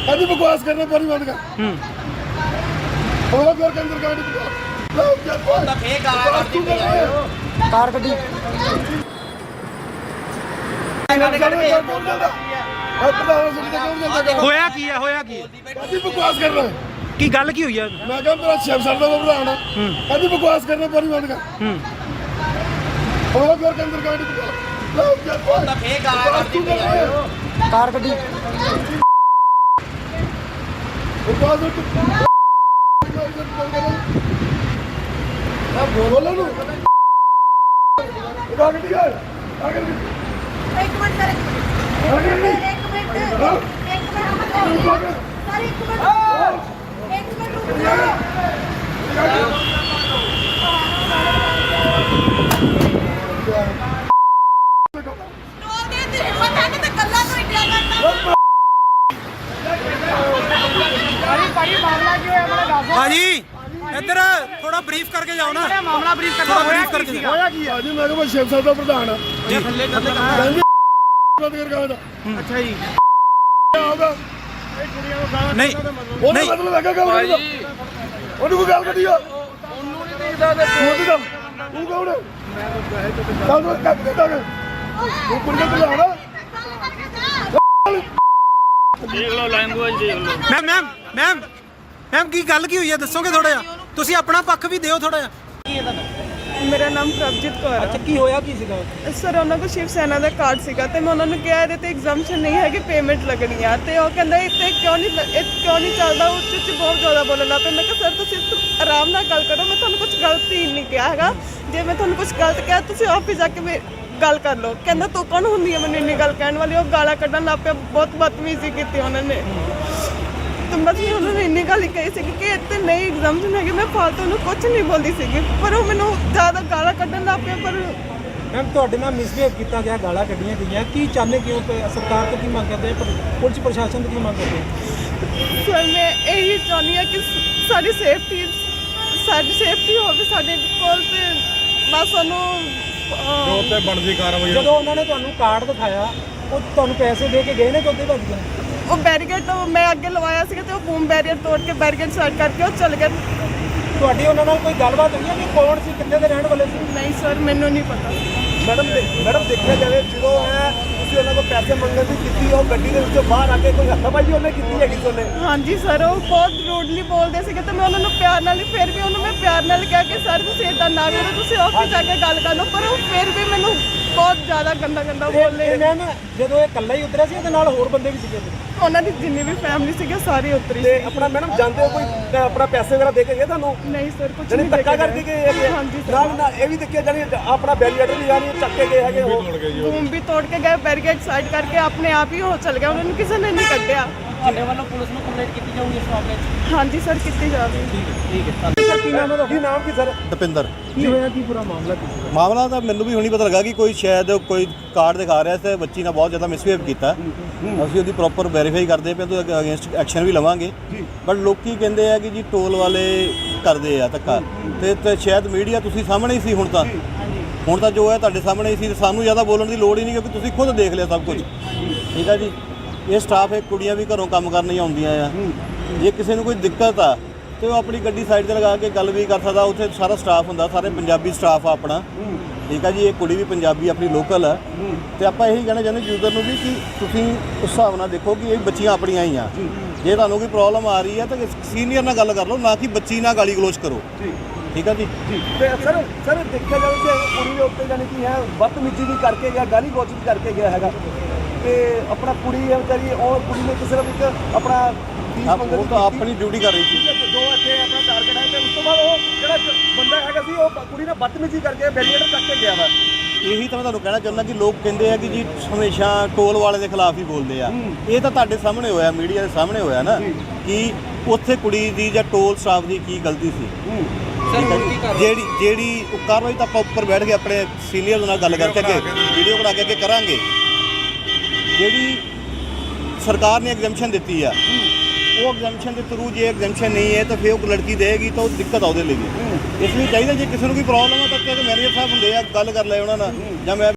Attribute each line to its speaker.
Speaker 1: अभी बकवास करना पानी बंद कर और घर के अंदर गाड़ी
Speaker 2: कार गड्डी
Speaker 3: ਹੋਇਆ ਕੀ ਹੈ
Speaker 1: अभी बकवास कर रहा है
Speaker 3: ਕੀ ਗੱਲ ਕੀ ਹੋਈ ਹੈ
Speaker 1: मैं कहा मेरा शेफ सर का भरा अभी बकवास करना पानी बंद कर और घर के अंदर गाड़ी
Speaker 2: कार गड्डी
Speaker 1: बोलो ना
Speaker 4: एक मिनट सर, रुक जाओ।
Speaker 3: ਭਾਜੀ ਇੱਧਰ ਥੋੜਾ ਬਰੀਫ ਕਰਕੇ ਜਾਓ ਨਾ ਮਾਮਲਾ ਬਰੀਫ ਕਰਨਾ ਬਰੀਫ ਕਰਕੇ
Speaker 1: ਹੋਇਆ ਕੀ ਆ ਜੀ ਮੈਂ ਕਿਹਾ ਸ਼ੇਖ ਸਾਹਿਬ ਦਾ ਪ੍ਰਧਾਨ ਆ
Speaker 3: ਜੀ ਥੱਲੇ ਥੱਲੇ
Speaker 1: ਅੱਛਾ ਜੀ ਆਉਗਾ
Speaker 3: ਨਹੀਂ
Speaker 1: ਉਹਦਾ
Speaker 3: ਨਹੀਂ
Speaker 1: ਮਤਲਬ ਹੈਗਾ ਗੱਲ ਕਰਦਾ ਉਹਨੂੰ ਕੋਈ ਗੱਲ ਕੱਢੀ ਆ ਉਹਨੂੰ ਨਹੀਂ ਦੇਖਦਾ ਤੇ ਤੂੰ ਕੌਣ ਹੈ ਮੈਂ ਕੱਟ ਦਿੱਤਾ ਤੂੰ ਕੁੜੀ ਦਾ ਪ੍ਰਧਾਨ
Speaker 5: ਦੇਖ ਲਓ ਲੈਂਗੁਏਜ ਦੇਖ ਲਓ
Speaker 3: ਮੈਮ ਕੀ ਗੱਲ ਕੀ ਹੋਈ ਹੈ ਦੱਸੋਗੇ ਥੋੜਾ ਜਿਹਾ ਤੁਸੀਂ ਆਪਣਾ ਪੱਖ ਵੀ ਦਿਓ ਥੋੜਾ ਜਿਹਾ
Speaker 6: ਮੇਰਾ ਨਾਮ ਪ੍ਰਭਜੀਤ ਕੌਰ ਹੈ।
Speaker 3: ਅੱਛਾ ਕੀ ਹੋਇਆ ਕੀ ਸੀਗਾ
Speaker 6: ਸਰ ਉਹਨਾਂ ਕੋਲ ਸ਼ਿਵ ਸੈਨਾ ਦਾ ਕਾਰਡ ਸੀਗਾ ਤੇ ਮੈਂ ਉਹਨਾਂ ਨੂੰ ਕਿਹਾ ਇਹਦੇ ਤੇ ਐਗਜ਼ਾਮਸ਼ਨ ਨਹੀਂ ਹੈ ਕਿ ਪੇਮੈਂਟ ਲੱਗਣੀ ਆ ਤੇ ਉਹ ਕਹਿੰਦਾ ਇੱਥੇ ਕਿਉਂ ਨਹੀਂ ਚੱਲਦਾ ਉੱਚ ਬਹੁਤ ਜ਼ਿਆਦਾ ਬੋਲਣ ਲੱਗ ਪਿਆ। ਮੈਂ ਕਿਹਾ ਸਰ ਤੁਸੀਂ ਆਰਾਮ ਨਾਲ ਗੱਲ ਕਰੋ, ਮੈਂ ਤੁਹਾਨੂੰ ਕੁਝ ਗਲਤ ਹੀ ਨਹੀਂ ਕਿਹਾ ਹੈਗਾ। ਜੇ ਮੈਂ ਤੁਹਾਨੂੰ ਕੁਝ ਗਲਤ ਕਿਹਾ ਤੁਸੀਂ ਆਫਿਸ ਜਾ ਕੇ ਗੱਲ ਕਰ ਲਓ। ਕਹਿੰਦਾ ਤੂੰ ਕੌਣ ਹੁੰਦੀ ਹੈ ਮੈਨੂੰ ਇੰਨੀ ਗੱਲ ਕਹਿਣ ਵਾਲੀ। ਉਹ ਗਾਲਾਂ ਕੱਢਣ ਲੱਗ ਪਿਆ, ਬਹੁਤ ਬਦਤਮੀਜ਼ੀ ਕੀਤੀ ਉਹਨਾਂ ਨੇ। ਤੇ ਬਸ ਮੈਂ ਉਹਨਾਂ ਨੂੰ ਇੰਨੀ ਗੱਲ ਹੀ ਕਹੀ ਸੀਗੀ ਕਿ ਇੱਥੇ ਨਹੀਂ ਐਗਜ਼ਾਮਸ਼ਨ ਹੈਗੀ। ਮੈਂ ਫਾਲਤੂ ਨੂੰ ਕੁਝ ਨਹੀਂ ਬੋਲਦੀ ਸੀਗੀ ਪਰ ਉਹ ਮੈਨੂੰ ਜ਼ਿਆਦਾ ਗਾਲਾਂ ਕੱਢਣ ਲੱਗ ਪਿਆ। ਪਰ
Speaker 3: ਮੈਮ ਤੁਹਾਡੇ ਨਾਲ ਮਿਸਬਿਹੇਵ ਕੀਤਾ ਗਿਆ, ਗਾਲਾਂ ਕੱਢੀਆਂ ਗਈਆਂ, ਕੀ ਚਾਹੁੰਦੇ ਕਿਉਂ ਸਰਕਾਰ ਤੋਂ ਕੀ ਮੰਗ ਕਰਦੇ ਪੁਲਿਸ ਪ੍ਰਸ਼ਾਸਨ ਤੋਂ ਕੀ ਮੰਗ ਕਰਦੇ?
Speaker 6: ਸਰ ਮੈਂ ਇਹੀ ਚਾਹੁੰਦੀ ਹਾਂ ਕਿ ਸਾਡੀ ਸੇਫਟੀ ਹੋਵੇ ਸਾਡੇ ਕੋਲ ਤੇ ਬਸ ਸਾਨੂੰ
Speaker 1: ਬਣਦੀ ਕਾਰਵਾਈ
Speaker 3: ਜਦੋਂ ਉਹਨਾਂ ਨੇ ਤੁਹਾਨੂੰ ਕਾਰਡ ਦਿਖਾਇਆ ਉਹ ਤੁਹਾਨੂੰ ਪੈਸੇ ਦੇ ਕੇ ਗਏ ਨੇ ਕਿ ਉੱਥੇ ਭੱਜ ਗਏ?
Speaker 6: ਉਹ ਬੈਰੀਕੇਡ ਮੈਂ ਅੱਗੇ ਲਵਾਇਆ ਸੀਗਾ ਤੇ ਉਹ ਬੂਮ ਬੈਰੀਅਰ ਤੋੜ ਕੇ ਬੈਰੀਕੇਡ ਸਾਈਡ ਕਰਕੇ ਉਹ ਚਲ ਗਏ।
Speaker 3: ਤੁਹਾਡੀ ਉਹਨਾਂ ਨਾਲ ਕੋਈ ਗੱਲਬਾਤ ਹੋਈ ਹੈ ਕਿ ਕੌਣ ਸੀ, ਕਿੱਥੇ ਦੇ ਰਹਿਣ ਵਾਲੇ ਸੀ?
Speaker 6: ਨਹੀਂ ਸਰ ਮੈਨੂੰ ਨਹੀਂ ਪਤਾ।
Speaker 1: ਮੈਡਮ ਦੇਖਿਆ ਜਾਵੇ ਜਦੋਂ ਹੈ ਤੁਸੀਂ ਉਹਨਾਂ ਕੋਲ ਪੈਸੇ ਮੰਗਣ ਦੀ ਕੀਤੀ ਉਹ ਗੱਡੀ ਦੇ ਵਿੱਚੋਂ ਬਾਹਰ ਆ ਕੇ ਕੋਈ ਹੱਥਾਬਾਜੀ ਉਹਨੇ ਕੀਤੀ ਹੈਗੀ ਉਹਨੇ?
Speaker 6: ਹਾਂਜੀ ਸਰ ਉਹ ਬਹੁਤ ਰੂਡਲੀ ਬੋਲਦੇ ਸੀਗੇ ਤੇ ਮੈਂ ਉਹਨਾਂ ਨੂੰ ਪਿਆਰ ਨਾਲ ਹੀ ਫਿਰ ਵੀ ਉਹਨੂੰ ਮੈਂ ਪਿਆਰ ਨਾਲ ਕਿਹਾ ਕਿ ਸਰ ਤੁਸੀਂ ਇੱਦਾਂ ਨਾ ਕਰੋ, ਤੁਸੀਂ ਆਫਿਸ ਜਾ ਕੇ ਗੱਲ ਕਰ ਲਓ। ਪਰ ਉਹ ਫਿਰ ਵੀ ਮੈਨੂੰ ਬਹੁਤ ਜ਼ਿਆਦਾ ਗੰਦਾ ਬੋਲੇ।
Speaker 3: ਮੈਮ ਜਦੋਂ ਇਹ ਇਕੱਲਾ ਹੀ ਉਤਰਿਆ ਸੀ ਇਹਦੇ ਨਾਲ ਹੋਰ ਬੰਦੇ ਵੀ ਸੀਗੇ?
Speaker 6: ਉਹਨਾਂ ਦੀ ਜਿੰਨੀ ਵੀ ਫੈਮਿਲੀ ਸੀਗੀ ਸਾਰੀ ਉਤਰੀ ਸੀ।
Speaker 1: ਆਪਣਾ ਮੈਡਮ ਜਾਂਦੇ ਹੋ ਕੋਈ ਆਪਣਾ ਪੈਸੇ ਵਗੈਰਾ ਦੇ ਕੇ ਗਏ ਤੁਹਾਨੂੰ?
Speaker 6: ਨਹੀਂ ਸਰ ਕੁਝ
Speaker 1: ਜਾਨੀ
Speaker 6: ਨਹੀਂ
Speaker 1: ਧੱਕਾ ਕਰਕੇ ਗਏ ਹੈਗੇ?
Speaker 6: ਹਾਂਜੀ ਸਰ।
Speaker 1: ਨਾਲ ਇਹ ਵੀ ਦੇਖਿਆ ਜਾਨੀ ਆਪਣਾ ਬੈਰੀਅਰ ਵੀ ਜਾਨੀ ਚੱਕ ਕੇ ਗਏ ਹੈਗੇ ਉਹ
Speaker 6: ਬੂਮ ਵੀ ਤੋੜ ਕੇ ਗਏ, ਬੈਰੀਕੇਡ ਸਾਈਡ ਕਰਕੇ ਆਪਣੇ ਆਪ ਹੀ ਉਹ ਚਲ ਗਿਆ। ਉਹਨਾਂ ਨੂੰ ਕਿਸੇ ਨੇ ਨਹੀਂ ਕੱਢਿਆ।
Speaker 5: ਤੁਹਾਡੇ ਵੱਲੋਂ ਪੁਲਿਸ ਨੂੰ ਕੰਪਲੇਂਟ ਕੀਤੀ ਜਾਊਗੀ ਇਸ ਮਾਮਲੇ 'ਚ?
Speaker 6: ਹਾਂਜੀ ਸਰ ਕੀਤੀ ਜਾਵੇ।
Speaker 1: ਕੀ ਨਾਮ ਕੀ ਸਰ?
Speaker 7: ਦਪਿੰਦਰ।
Speaker 3: ਕੀ ਹੋਇਆ ਕੀ ਪੂਰਾ ਮਾਮਲਾ ਕੀ ਸੀ?
Speaker 7: ਮਾਮਲਾ ਤਾਂ ਮੈਨੂੰ ਵੀ ਹੁਣੀ ਪਤਾ ਲੱਗਾ ਕਿ ਕੋਈ ਸ਼ਾਇਦ ਕੋਈ ਕਾਰਡ ਦਿਖਾ ਰਿਹਾ ਸੀ, ਬੱਚੀ ਨਾਲ ਬਹੁਤ ਜ਼ਿਆਦਾ ਮਿਸਬਿਹੇਵ ਕੀਤਾ। ਅਸੀਂ ਉਹਦੀ ਪ੍ਰੋਪਰ ਵੈਰੀਫਾਈ ਕਰਦੇ ਪਏ ਤੇ ਅਗੇਂਸਟ ਐਕਸ਼ਨ ਵੀ ਲਵਾਂਗੇ। ਬਟ ਲੋਕੀ ਕਹਿੰਦੇ ਆ ਕਿ ਜੀ ਟੋਲ ਵਾਲੇ ਕਰਦੇ ਆ ਧੱਕਾ ਤੇ ਸ਼ਾਇਦ ਮੀਡੀਆ ਤੁਸੀਂ ਸਾਹਮਣੇ ਹੀ ਸੀ। ਹੁਣ ਤਾਂ ਜੋ ਹੈ ਤੁਹਾਡੇ ਸਾਹਮਣੇ ਹੀ ਸੀ। ਸਾਨੂੰ ਜ਼ਿਆਦਾ ਬੋਲਣ ਦੀ ਲੋੜ ਹੀ ਨਹੀਂ ਕਿਉਂਕਿ ਤੁਸੀਂ ਖੁਦ ਦੇਖ ਲਿਆ ਸਭ ਕੁਝ। ਠੀਕ ਆ ਜੀ। ਇਹ ਸਟਾਫ ਹੈ, ਕੁੜੀਆਂ ਵੀ ਘਰੋਂ ਕੰਮ ਕਰਨ ਹੀ ਆਉਂਦੀਆਂ ਆ। ਜੇ ਕਿਸੇ ਨੂੰ ਕੋਈ ਦਿੱਕਤ ਆ ਤੇ ਉਹ ਆਪਣੀ ਗੱਡੀ ਸਾਈਡ ਤੇ ਲਗਾ ਕੇ ਗੱਲ ਵੀ ਕਰ ਸਕਦਾ। ਉੱਥੇ ਸਾਰਾ ਸਟਾਫ ਹੁੰਦਾ, ਸਾਰੇ ਪੰਜਾਬੀ ਸਟਾਫ ਆ ਆਪਣਾ। ਠੀਕ ਆ ਜੀ। ਇਹ ਕੁੜੀ ਵੀ ਪੰਜਾਬੀ ਆਪਣੀ ਲੋਕਲ ਆ ਤੇ ਆਪਾਂ ਇਹੀ ਕਹਿਣਾ ਚਾਹੁੰਦੇ ਯੂਜ਼ਰ ਨੂੰ ਵੀ ਕਿ ਤੁਸੀਂ ਉਸ ਹਿਸਾਬ ਨਾਲ ਦੇਖੋ ਕਿ ਇਹ ਬੱਚੀਆਂ ਆਪਣੀਆਂ ਹੀ ਆ। ਜੇ ਤੁਹਾਨੂੰ ਕੋਈ ਪ੍ਰੋਬਲਮ ਆ ਰਹੀ ਹੈ ਤਾਂ ਸੀਨੀਅਰ ਨਾਲ ਗੱਲ ਕਰ ਲਓ, ਨਾ ਕਿ ਬੱਚੀ ਨਾਲ ਗਾਲੀ ਗਲੋਚ ਕਰੋ। ਠੀਕ ਆ ਜੀ।
Speaker 1: ਤੇ ਸਰ ਦੇਖਿਆ ਜਾਵੇ ਕਿ ਕੁੜੀ ਦੇ ਉੱਤੇ ਜਾਨੀ ਕਿ ਹੈ ਬਦਤਮੀਜ਼ੀ ਵੀ ਕਰਕੇ ਗਿਆ, ਗਾਲੀ ਗਲੋਚ ਵੀ ਕਰਕੇ ਗਿਆ ਹੈਗਾ ਤੇ ਆਪਣਾ ਕੁੜੀ ਹੈ ਵਿਚਾਰੀ ਉਹ ਕੁੜੀ ਨੇ ਕਿਸੇ ਨੂੰ ਇੱਕ ਆਪਣਾ
Speaker 7: ਉਹ ਤਾਂ ਆਪਣੀ ਡਿਊਟੀ ਕਰ ਰਹੀ ਸੀ।
Speaker 1: ਜੋ ਇੱਥੇ ਆਪਣਾ ਟਾਰਗੇਟ ਹੈ ਤੇ ਉਸ ਤੋਂ ਬਾਅਦ ਉਹ ਜਿਹੜਾ ਬੰਦਾ ਹੈਗਾ ਸੀ ਉਹ ਕੁੜੀ ਨਾਲ ਬਦਤਮੀਜ਼ੀ ਕਰਕੇ ਬੈਰੀਅਰ ਚੱਕ ਕੇ ਗਿਆ ਵਾ।
Speaker 7: ਇਹੀ ਤਾਂ ਮੈਂ ਤੁਹਾਨੂੰ ਕਹਿਣਾ ਚਾਹੁੰਦਾ ਕਿ ਲੋਕ ਕਹਿੰਦੇ ਆ ਕਿ ਜੀ ਹਮੇਸ਼ਾ ਟੋਲ ਵਾਲੇ ਦੇ ਖਿਲਾਫ ਹੀ ਬੋਲਦੇ ਆ। ਇਹ ਤਾਂ ਤੁਹਾਡੇ ਸਾਹਮਣੇ ਹੋਇਆ, ਮੀਡੀਆ ਦੇ ਸਾਹਮਣੇ ਹੋਇਆ ਨਾ ਕਿ ਉੱਥੇ ਕੁੜੀ ਦੀ ਜਾਂ ਟੋਲ ਸਟਾਫ ਦੀ ਕੀ ਗਲਤੀ ਸੀ। ਜਿਹੜੀ ਕਾਰਵਾਈ ਤਾਂ ਆਪਾਂ ਉੱਪਰ ਬੈਠ ਕੇ ਆਪਣੇ ਸੀਨੀਅਰ ਨਾਲ ਗੱਲ ਕਰਕੇ ਅੱਗੇ ਵੀਡੀਓ ਬਣਾ ਕੇ ਅੱਗੇ ਕਰਾਂਗੇ। ਜਿਹੜੀ ਸਰਕਾਰ ਨੇ ਐਗਜ਼ੈਂਪਸ਼ਨ ਦਿੱਤੀ ਆ ਉਹ ਐਗਜ਼ੈਂਪਸ਼ਨ ਦੇ ਥਰੂ ਜੇ ਐਗਜ਼ੈਂਪਸ਼ਨ ਨਹੀਂ ਹੈ ਤਾਂ ਫਿਰ ਉਹ ਲੜਕੀ ਦੇਗੀ ਤਾਂ ਉਹ ਦਿੱਕਤ ਆ ਉਹਦੇ ਲਈ। ਇਸ ਲਈ ਚਾਹੀਦਾ ਜੇ ਕਿਸੇ ਨੂੰ ਕੋਈ ਪ੍ਰੋਬਲਮ ਆ ਤਾਂ ਮੈਨੇਜਰ ਸਾਹਿਬ ਹੁੰਦੇ ਆ, ਗੱਲ ਕਰ ਲੈ ਉਹਨਾਂ ਨਾਲ ਜਾਂ ਮੈਂ